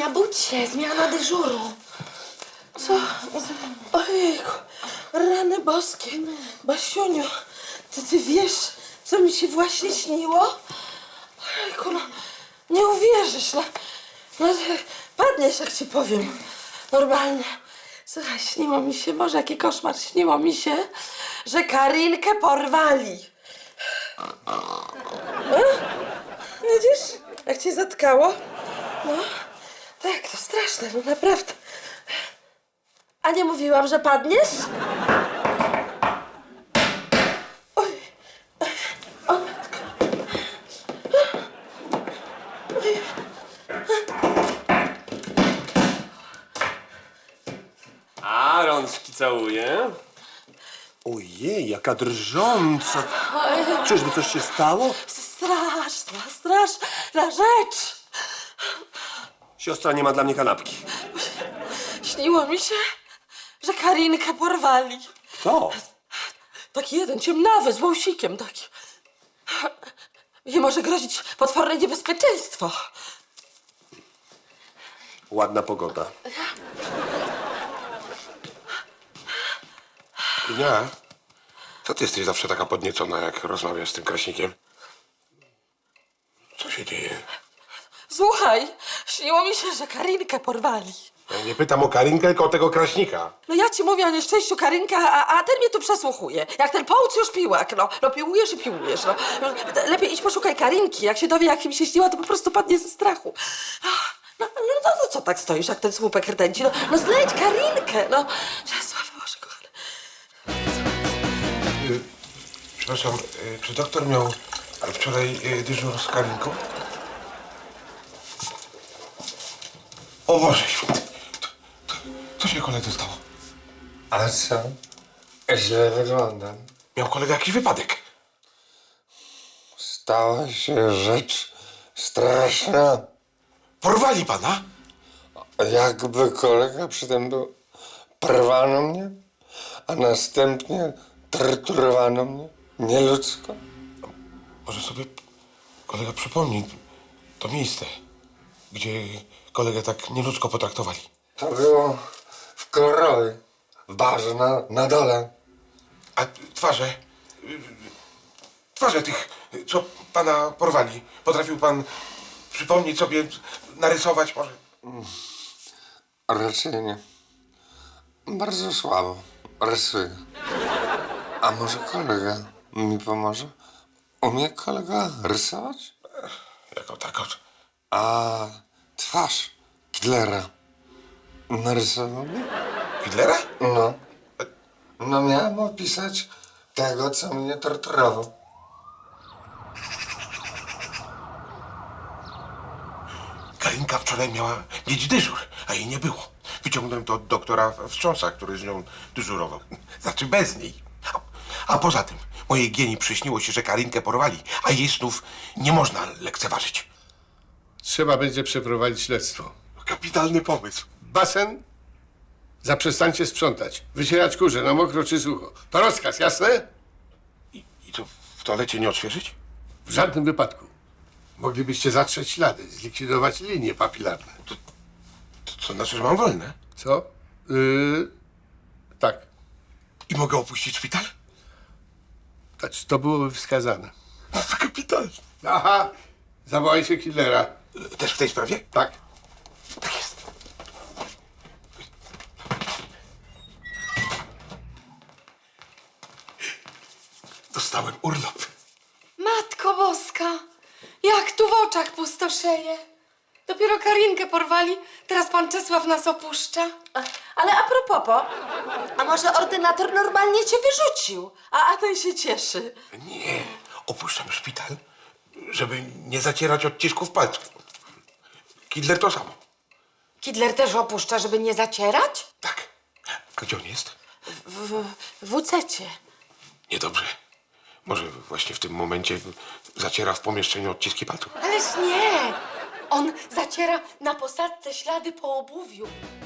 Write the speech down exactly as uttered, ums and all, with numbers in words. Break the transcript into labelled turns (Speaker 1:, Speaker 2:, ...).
Speaker 1: Budź się, zmiana dyżuru. Co? Ojejku, rany boskie. Basiuniu, ty, ty wiesz, co mi się właśnie śniło? Ojejku, no, nie uwierzysz, no. No, padniesz, jak ci powiem. Normalnie. Słuchaj, śniło mi się, Boże, jaki koszmar, śniło mi się, że Karinkę porwali. A? Widzisz, jak cię zatkało? No, tak, to straszne, no naprawdę. A nie mówiłam, że padniesz? Oj, o matko. Oj.
Speaker 2: A, rączki całuję. Ojej, jaka drżąca. Czyżby coś się stało?
Speaker 1: Straszna, straszna rzecz.
Speaker 2: Siostra nie ma dla mnie kanapki.
Speaker 1: Śniło mi się, że Karinkę porwali.
Speaker 2: Kto?
Speaker 1: Taki jeden ciemnawy, z wąsikiem taki. I może grozić potworne niebezpieczeństwo.
Speaker 2: Ładna pogoda.
Speaker 3: Nie. Co ty jesteś zawsze taka podniecona, jak rozmawiasz z tym kraśnikiem? Co się dzieje?
Speaker 1: Słuchaj, śniło mi się, że Karinkę porwali.
Speaker 3: Ja nie pytam o Karinkę, tylko o tego kraśnika.
Speaker 1: No ja ci mówię o nieszczęściu Karynka, a, a ten mnie tu przesłuchuje. Jak ten połóż już piłak, no. No piłujesz i piłujesz, no. Lepiej idź poszukaj Karinki. Jak się dowie, jak mi się śniła, to po prostu padnie ze strachu. No, no, no, no, no co tak stoisz, jak ten słupek rdęci? No, no znajdź Karinkę, no. Czesław, Boże kochany.
Speaker 3: Y, przepraszam, y, czy doktor miał wczoraj y, dyżur z Karinką? O Boże święty, to, to, co się koledze stało?
Speaker 4: Ale co? Źle wyglądam.
Speaker 3: Miał kolega jakiś wypadek.
Speaker 4: Stała się rzecz straszna.
Speaker 3: Porwali pana?
Speaker 4: Jakby kolega przy tym był. Porwano mnie, a następnie torturowano mnie nieludzko.
Speaker 3: Może sobie kolega przypomni to miejsce, gdzie kolegę tak nieludzko potraktowali.
Speaker 4: To było w Klorowie, w barze na, na dole.
Speaker 3: A twarze, y, twarze tych, co pana porwali, potrafił pan przypomnieć sobie, narysować może?
Speaker 4: Raczej nie. Bardzo słabo rysuję. A może kolega mi pomoże? Umie kolega rysować?
Speaker 3: Jako tako.
Speaker 4: A twarz Hitlera narysował mi?
Speaker 3: Hitlera?
Speaker 4: No. No miałem opisać tego, co mnie torturował.
Speaker 3: Karinka wczoraj miała mieć dyżur, a jej nie było. Wyciągnąłem to od doktora Wstrząsa, który z nią dyżurował. Znaczy bez niej. A, a poza tym, mojej Gieni przyśniło się, że Karinkę porwali, a jej snów nie można lekceważyć.
Speaker 5: Trzeba będzie przeprowadzić śledztwo.
Speaker 3: Kapitalny pomysł.
Speaker 5: Basen? Zaprzestańcie sprzątać. Wycierać kurze na mokro czy sucho. To rozkaz, jasne?
Speaker 3: I, i to w toalecie nie odświeżyć?
Speaker 5: W żadnym wypadku. Moglibyście zatrzeć ślady, zlikwidować linie papilarne.
Speaker 3: To co znaczy, że mam wolne?
Speaker 5: Co? Yy, tak.
Speaker 3: I mogę opuścić szpital?
Speaker 5: Znaczy, to byłoby wskazane.
Speaker 3: No to kapitalnie.
Speaker 5: Aha! Zawołajcie killera.
Speaker 3: Też w tej sprawie?
Speaker 5: Tak.
Speaker 3: Tak jest. Dostałem urlop.
Speaker 6: Matko Boska, jak tu w oczach pustoszeje. Dopiero Karinkę porwali, teraz pan Czesław nas opuszcza.
Speaker 1: A, ale a propos, po, a może ordynator normalnie cię wyrzucił, a, a ten się cieszy.
Speaker 3: Nie, opuszczam szpital, żeby nie zacierać odcisków palców. Kidler to samo.
Speaker 6: Kidler też opuszcza, żeby nie zacierać?
Speaker 3: Tak. A gdzie on jest?
Speaker 1: W, w, w ucecie.
Speaker 3: Niedobrze. Może właśnie w tym momencie zaciera w pomieszczeniu odciski palców.
Speaker 6: Ależ nie, on zaciera na posadzce ślady po obuwiu.